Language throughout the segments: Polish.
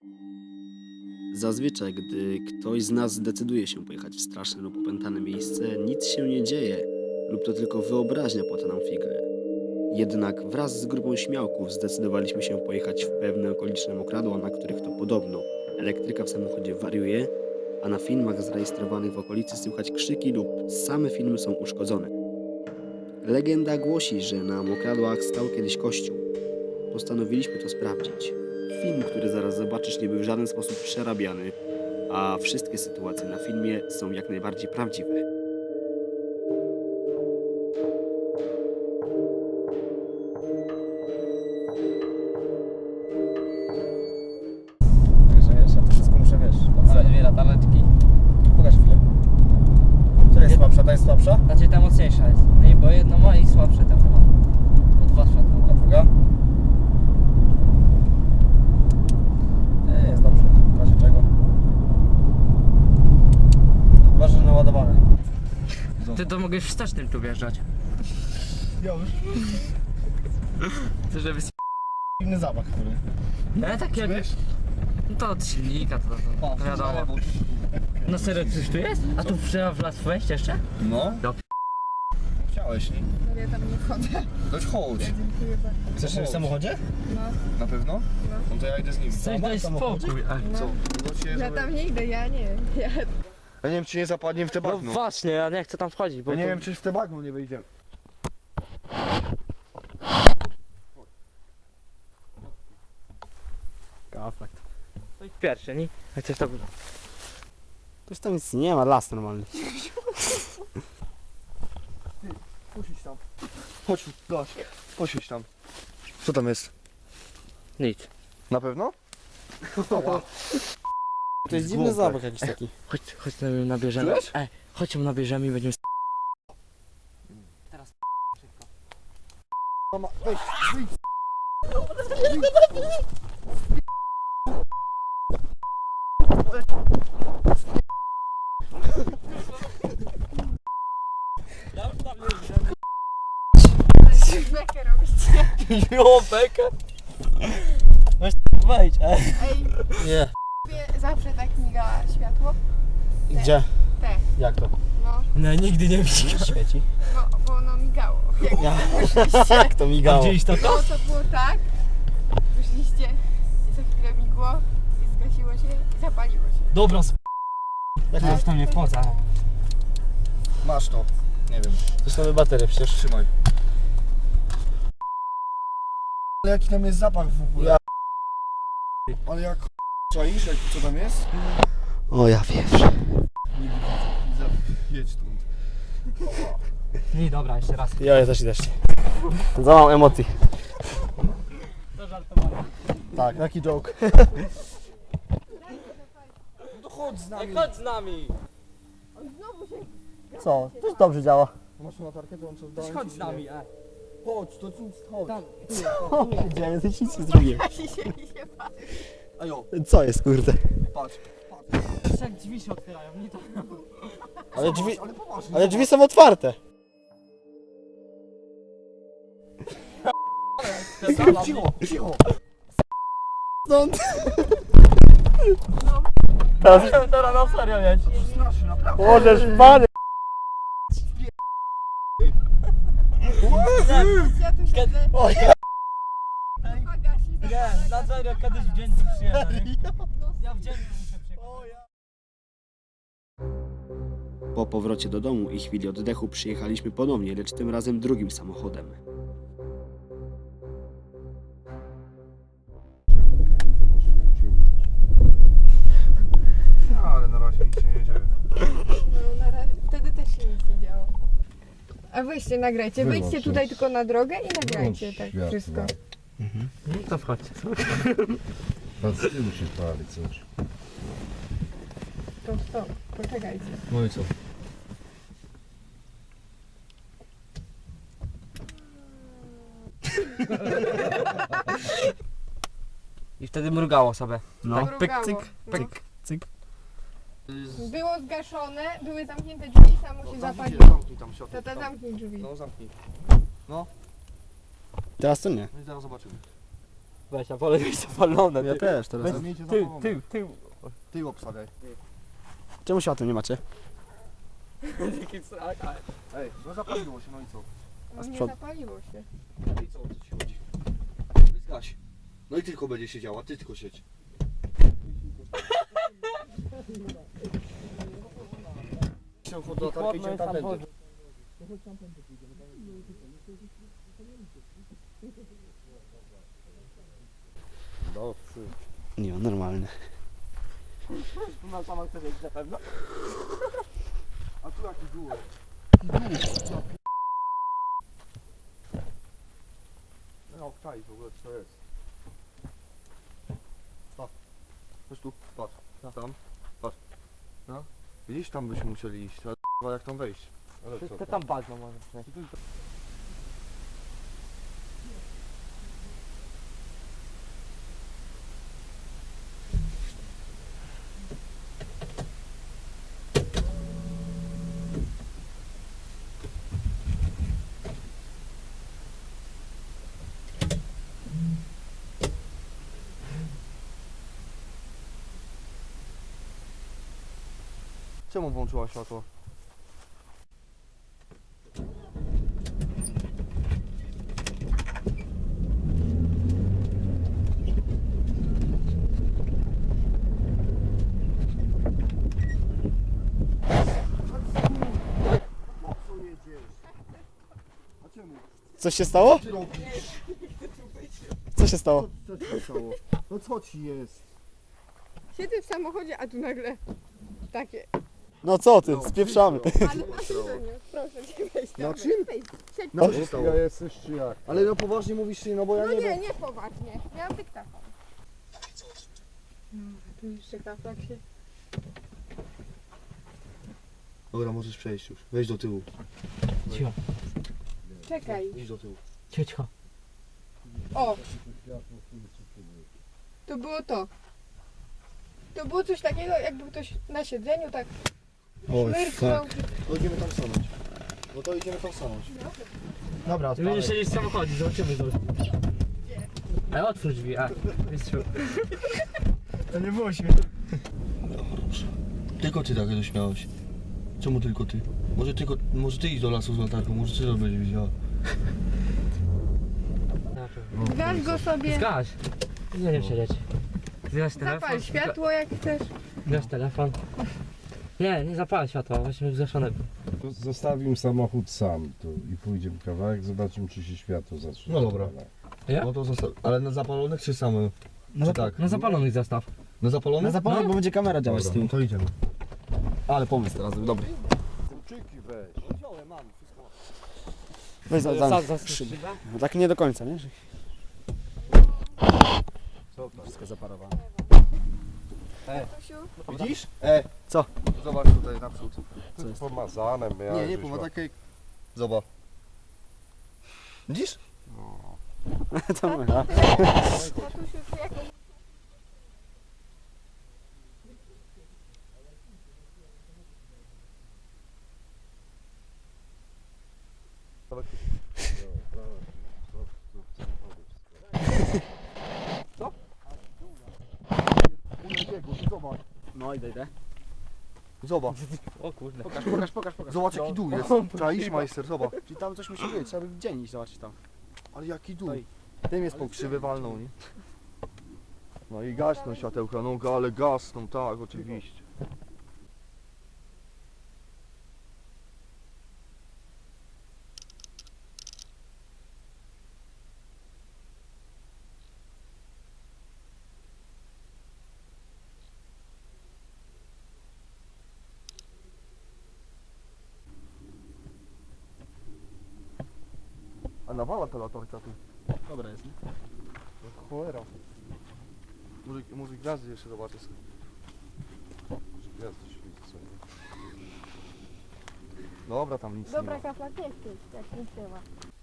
Zazwyczaj, gdy ktoś z nas zdecyduje się pojechać w straszne lub opętane miejsce, nic się nie dzieje lub to tylko wyobraźnia płata nam figle. Jednak wraz z grupą śmiałków zdecydowaliśmy się pojechać w pewne okoliczne mokradła, na których to podobno elektryka w samochodzie wariuje, a na filmach zarejestrowanych w okolicy słychać krzyki lub same filmy są uszkodzone. Legenda głosi, że na mokradłach stał kiedyś kościół. Postanowiliśmy to sprawdzić. Film, który zaraz zobaczysz, nie był w żaden sposób przerabiany, a wszystkie sytuacje na filmie są jak najbardziej prawdziwe. Także wiesz, ja to wszystko muszę, wiesz, Ale dwie latareczki. Pokaż chwilę. Która jest słabsza? Ta jest słabsza? Znaczy ta mocniejsza jest. No i bo jedno ma i słabsze tam ma. Bo dwa światła A ma. druga? Nie, jest dobrze. W razie czego? Uważaj, że naładowane. Ty to mogłeś wstecznym tu wjeżdżać. Ja już. To żeby Inny zapach, który. No takie... No to od silnika, to wiadomo. No serio, coś tu jest? A tu trzeba w las wejść jeszcze? No. Do Chciałeś, nie? Ale ja tam nie wchodzę. Dość chodź. Dziękuję bardzo. Chcesz w samochodzie? No, Na pewno? No to ja idę z nim. Coś daj spokój. Co? ja tam nie idę, ja nie. Ja... Ja nie wiem, czy nie zapadnie w te No bagno. właśnie, ja nie chcę tam wchodzić, bo Ja nie to- wiem, czy w te bagno nie wyjdziemy. Gaflakt. to jest pierwszy, nie? Jak coś to... Toż tam nic nie ma, las normalny. Posiedź tam. Chodź, gość. Posiedź tam. Co tam jest? Nic. Na pewno? To jest dziwny zapach jakiś taki. Chodź ją nabierzemy. Czujesz? Chodź ją nabierzemy i będziemy... Mama, weź, wyjdź. Bekę robicie. Jo, bekę! Wejdź, Ej, Nie. zawsze tak miga światło. Gdzie? Te, Jak to? no, No nigdy nie widzisz. Świeci. no, bo ono migało. Jak to migało? Gdzieś to No, to było tak, wyszliście i za chwilę migło i zgasiło się i zapaliło się. Dobra, Jak ja już tam nie wchodzę. Masz to. Nie wiem. to są nowe baterie przecież. Trzymaj. Ale jaki tam jest zapach w ogóle? Ja- Ale jak czaisz, jak, co tam jest? O ja wiem. Nie widzę. Jedź tu. Nie, dobra, jeszcze raz. Ja też idę. Za mam emocji. To żartowanie. Tak, taki joke. No chodź z nami. Chodź z nami. Co? To już dobrze działa. Masz tu latarkę, to on co dałem Chodź ci, z nami, Chodź, to nic, chodź. Tam. Co się dzieje? To nic nie zrobiłem. Gasi się i się patrzy. Ajo, Co jest kurde? patrz. Jak drzwi się otwierają, nie to. Ale drzwi, Ale poważnie. ale drzwi są otwarte. Cicho, cicho. Stąd. Teraz na serio mieć. Strasznie, naprawdę. Możesz pany. Ja tu siedzę. O Chyba gasi. Nie, na serio kiedyś w dzień tu przyjadę. Ja w dzień tu muszę przyjechać. Po powrocie do domu i chwili oddechu przyjechaliśmy ponownie, lecz tym razem drugim samochodem. No, ale na razie nic się nie dzieje. No, na razie, wtedy też się nic nie działo. A weźcie, nagrajcie. Wyłącz Wyjdźcie już. tutaj tylko na drogę i nagrajcie Wyłącz tak światło. wszystko. No to wchodźcie. Pan z tyłu się pali coś. To stop, poczekajcie. No i co? I wtedy mrugało sobie. No. Tak Pyk, mrugało. cyk, No. cyk, cyk. Było zgaszone, były zamknięte drzwi, samo się zapaliło. Zamknij tam światło. Tata, zamknij drzwi. No zamknij. Teraz to nie. No i zaraz zobaczymy. Weź, a wolę mieć zapalone. Ja też teraz. Tył. Ty obstawiaj. Czemu światła nie macie? Ej, no zapaliło się, no i co? No nie przod- zapaliło się. I co, o co ci chodzi? Zgaś. No i tylko będzie siedziała, ty tylko siedź. Chłodno jest tam woda. Nie, normalny. No sama chcesz jeść na pewno? A tu jaki dół? No, czaj w ogóle, co to jest? Chodź tu, patrz. Tam, patrz. No. Widzisz, tam byśmy musieli iść, ale k***a, jak tam wejść? Ale co To tam bagno może. Czemu włączyła światło? Coś się stało? Co robisz? Co się stało? Co ci się stało? No co ci jest? Siedzę w samochodzie, a tu nagle takie. No co ty, spieprzamy. Ale na tym to nie, proszę cię wejść. Na dobra, czym? Wejdź, siedź. No co się stało? Ja jesteś czy jak? Ale no poważnie mówisz, no bo ja No nie nie, wiem. nie poważnie. Miałam dyktafon. No, tu jeszcze kaflak się. Dobra, możesz przejść już. Wejdź do tyłu. Cicho. Czekaj. Idź do tyłu. Cicho. O! To było to. To było coś takiego, jakby ktoś na siedzeniu tak szmyrknął. To idziemy tam stanąć. No to idziemy tam stanąć. Dobra, Ty będziesz siedzieć w samochodzie, zobaczymy to. Ale otwórz drzwi, a. Mistrzu. To nie było śmieszne. Tylko ty tak się śmiałeś. Czemu tylko ty? Może ty idź do lasu z latarką, może ty to będzie widziała. Zgaś go sobie. Zgaś. Nie wiem siedzieć. Zgaś telefon. Zapal światło jak chcesz. Zgaś telefon. Nie zapalę światła, właśnie zgaszone. To zostawimy samochód sam tu i pójdziemy kawałek, zobaczymy czy się światło zacznie. No dobra. zapalać. Ja? No to zostaw. Ale na zapalonych czy same? Czy tak? Na zapalonych zastaw. Na zapalonych? Na zapalenie, bo będzie kamera działać z Dobra, tyłu. no to idziemy. Ale pomysł teraz był dobry. Kluczyki weź. Wziąłem, mam wszystko. Weź za szybę. No tak nie do końca, nie? Że Co tam? wszystko zaparowane. Tatusiu, Widzisz? Co? Zobacz tutaj naprzód. To jest pomazane, miałem. Nie, nie, ma takie... Zobacz. Widzisz? To my, a? tatusiu, ty jakoś... Zobacz. No idę. Zobacz. O kurde. Pokaż. Zobacz jaki dół jest. Czaisz, majster, zobacz. Czyli tam coś musi być, trzeba by w dzień iść zobaczyć tam. Ale jaki dół. Stoi. Tym jest pokrzywy walną, nie? No i gasną światełka, no ale gasną, tak, oczywiście. A nawala ta latarka tu. Dobra jest, nie? Cholera. Może gwiazdy jeszcze zobaczę sobie. Gwiazdy świecą. Dobra, tam nic Dobra, nie ma. kaflak nie chcesz, jak nic nie ma.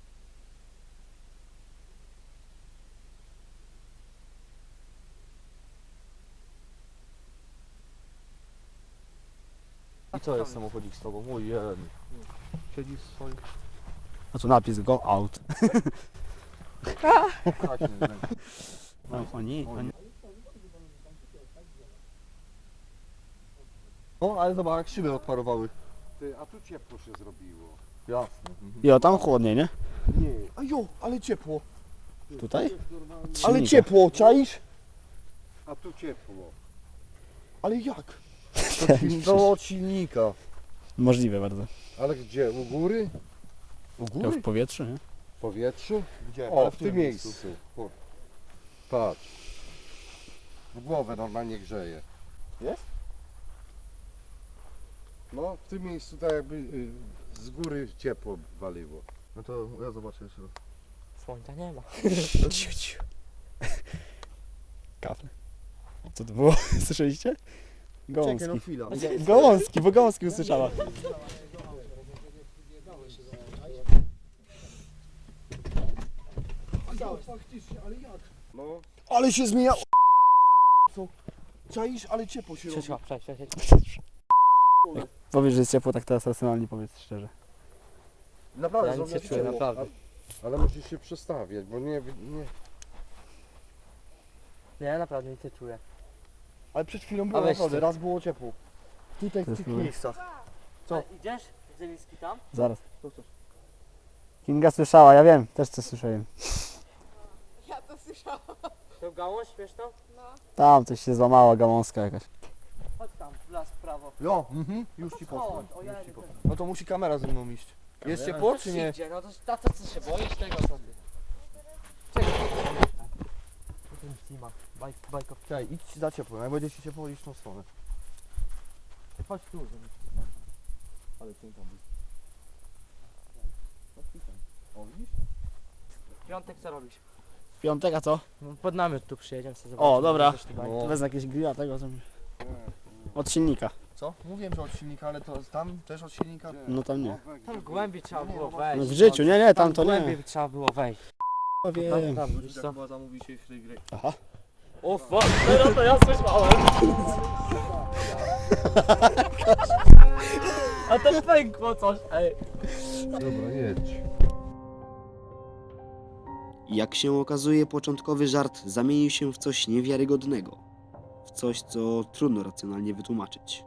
I co jest samochodzik z tobą? Ojej. Siedzisz w swoim... A tu napis go out. Tak, nie wiem. Oni. No, ale zobacz, jak szyby odparowały. Ty, a tu ciepło się zrobiło. Jasne. Jo, tam chłodniej, nie? Nie. A jo, ale ciepło. Tutaj? Ale Silnika. ciepło, czaisz? A tu ciepło. Ale jak? To od silnika. Możliwe bardzo. Ale gdzie? U góry? U To góry? w powietrzu, nie? W powietrzu? Gdzie? O, Ale w tym miejscu. O. Patrz. W głowę normalnie grzeje. Jest? No, w tym miejscu tak jakby z góry ciepło waliło. No to ja zobaczę jeszcze raz. Słońca nie ma. Ciu, ciu. Kafle. Co to było? Słyszeliście? Gałązki. Czekaj, no chwila. Gałązki, bo gałązki usłyszała. No, Ale się zmienia. Co? Czaisz, ale ciepło się robi. Trzeba, przejść. Powiesz, że jest ciepło, tak teraz racjonalnie powiedz szczerze. Naprawdę, Ja nic nie zrobię czuję, ciepło. naprawdę. ale musisz się przestawiać, bo nie... Nie, naprawdę nic nie czuję. Ale przed chwilą A było weź naprawdę, ty. raz było ciepło. Tutaj w To tych jest miejscach. Co? Idziesz? Zeliski tam? Zaraz. Co chcesz? Kinga słyszała, ja wiem, też coś słyszałem. Ja to słyszałam. To gałąź śmieszną? No. Tam coś się złamała, gałązka jakaś. Chodź tam, w las w prawo. Jo, już ci posłam. Chodź, o ja Już ci posłam. No to musi kamera ze mną iść. Jest ciepło czy nie? Idzie, no to tato, co się boisz tego sobie? Czekaj. Tu nic nie ma. Bajko. Czekaj, idź za ciepło, jak będzie ci ciepło, idź w tą stronę. Chodź tu. Ale cię tam jest. O, widzisz? Piątek co robisz? Piątek, a co? No, pod namiot tu przyjedziemy sobie O, zobaczyć, dobra. coś tu będzie. No. Wezmę jakiegoś grilla tego, co... Od silnika. Co? Mówiłem, że od silnika, ale to tam też od silnika? No tam nie. Tam głębiej trzeba było No wejść. w życiu, nie, tam to głębiej nie. trzeba było wejść. No wiem. Tam, wiesz Tak co? chyba zamówi się w tej gry. Aha. O fuck, teraz to ja słyszałem. A to pękło coś, ej. Dobra, jedź. Jak się okazuje, początkowy żart zamienił się w coś niewiarygodnego. W coś, co trudno racjonalnie wytłumaczyć.